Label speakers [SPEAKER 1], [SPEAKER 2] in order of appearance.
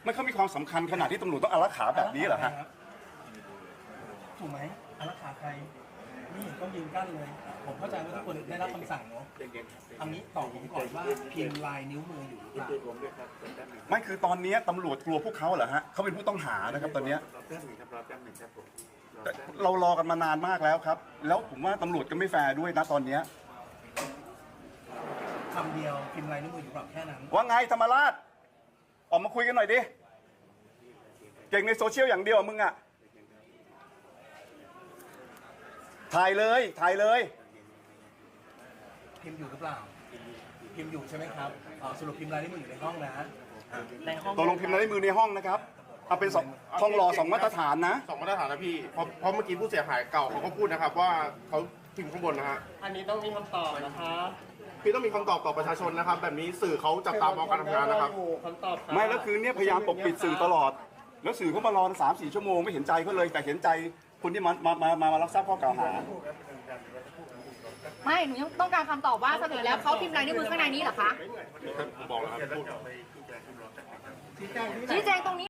[SPEAKER 1] มันเขามีความสำคัญขนาดที่ตำรวจต้องอารักขาแบบนี้เหรอฮะ
[SPEAKER 2] ถูกไหมอารักขาใครไม่เห็นต้องยืนกั้นเลยผมเข้าใจว่าทุกคนได้รับคำสั่งเนาะอันนี้ตอบผมก่อนว่าพิมพ์ลายนิ้วมืออยู่หรือเปล่า
[SPEAKER 1] ไม่คือตอนนี้ตำรวจกลัวพวกเขาเหรอฮะเขาเป็นผู้ต้องหานะครับตอนนี้เรารอกันมานานมากแล้วครับแล้วผมว่าตำรวจก็ไม่แฟร์ด้วยนะตอนนี้
[SPEAKER 2] คำเดียวพิมพ์ลายนิ้วมืออยู่หรือเปล่าแค่นั้น
[SPEAKER 1] ว่าไงธรรมราชออกมาคุยกันหน่อยดิเก่งในโซเชียลอย่างเดียวมึงอะถ่ายเลย
[SPEAKER 2] พิมพ์อยู่หรือเปล่าพิมพ์อยู่ใช่ไหมครับสรุปพิมพ์ลายนิ้วมืออยู่ในห้องนะในห้อง
[SPEAKER 1] ตกลงพิมพ์ลายมือในห้องนะครับเอาเป็นห้องรอ2 มาตรฐานนะ
[SPEAKER 3] 2 มาตรฐานนะพี่เพราะเมื่อกี้ผู้เสียหายเก่าเขาก็พูดนะครับว่าเขาพิมพ์ข้างบนนะฮะ
[SPEAKER 4] อันนี้ต้องมีคำตอบนะคะ
[SPEAKER 3] พี่ต้องมีคำตอบต่อประชาชนนะครับแบบนี้สื่อเขาจับตามองการทำงานนะครับ
[SPEAKER 4] คำตอบ
[SPEAKER 1] ไม่แล้วคือเนี่ยพยายามปกปิดสื่อตลอดแล้วสื่อเขามารอ3-4 ชั่วโมงไม่เห็นใจเขาเลยแต่เห็นใจคนที่มารับทราบข้อกล่าวหา
[SPEAKER 5] ไม่หนูยังต้องการคำตอบว่าสรุปแล้วเขาพิมพ์ลายนิ้วมือข้างในนี้เหรอคะ
[SPEAKER 3] ผมบอกแล้วครับ
[SPEAKER 5] ชี้แจงตรงนี้